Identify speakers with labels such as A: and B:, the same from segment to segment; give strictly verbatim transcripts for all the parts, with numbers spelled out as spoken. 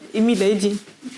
A: Еміля, йди.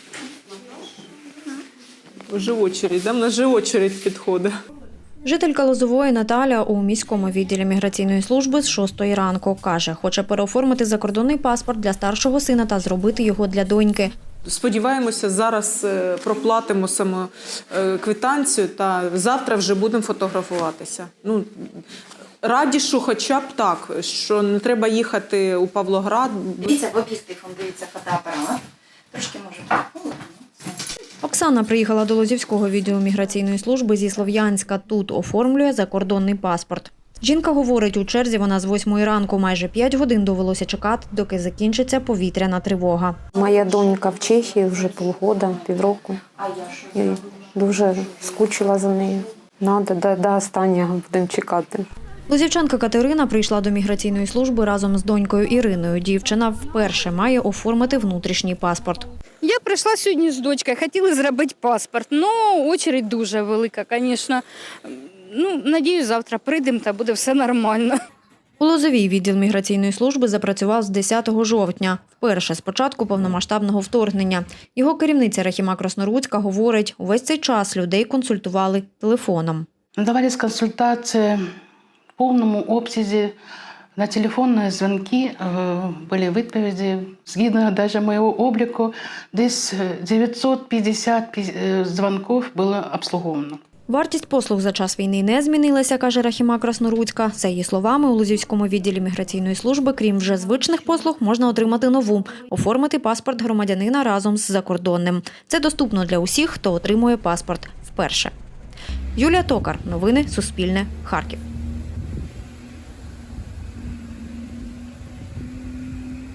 A: Вже очередь, да? В нас же очередь підходить.
B: Жителька Лозової Наталя у міському відділі міграційної служби з шостої ранку. Каже, хоче переоформити закордонний паспорт для старшого сина та зробити його для доньки.
A: Сподіваємося, зараз проплатимо саму квитанцію та завтра вже будемо фотографуватися. Ну, раді, що хоча б так, що не треба їхати у Павлоград.
C: Дивіться, в об'єктив, дивіться фотоапарат. Трошки може.
B: Оксана приїхала до Лозівського відділу міграційної служби зі Слов'янська. Тут оформлює закордонний паспорт. Жінка говорить, у черзі вона з восьмої ранку. Майже п'ять годин довелося чекати, доки закінчиться повітряна тривога.
D: Моя донька в Чехії вже півгода, півроку. І дуже скучила за нею. Надо, до, до останнього будемо чекати.
B: Лозівчанка Катерина прийшла до міграційної служби разом з донькою Іриною. Дівчина вперше має оформити внутрішній паспорт.
E: Я прийшла сьогодні з дочкою, хотіли зробити паспорт, але очередь дуже велика, звісно. Ну, надіюсь, завтра прийдемо та буде все нормально.
B: У Лозовій відділ міграційної служби запрацював з десятого жовтня, вперше з початку повномасштабного вторгнення. Його керівниця Рахіма Краснорудська говорить, увесь цей час людей консультували телефоном.
F: Надавались консультації в повному обсязі, на телефонні дзвінки були відповіді. Згідно навіть моєго обліку, десь дев'ятсот п'ятдесят дзвінків було обслуговано.
B: Вартість послуг за час війни не змінилася, каже Рахіма Краснорудська. За її словами, у Лозівському відділі міграційної служби, крім вже звичних послуг, можна отримати нову – оформити паспорт громадянина разом з закордонним. Це доступно для усіх, хто отримує паспорт вперше. Юлія Токар. Новини Суспільне. Харків.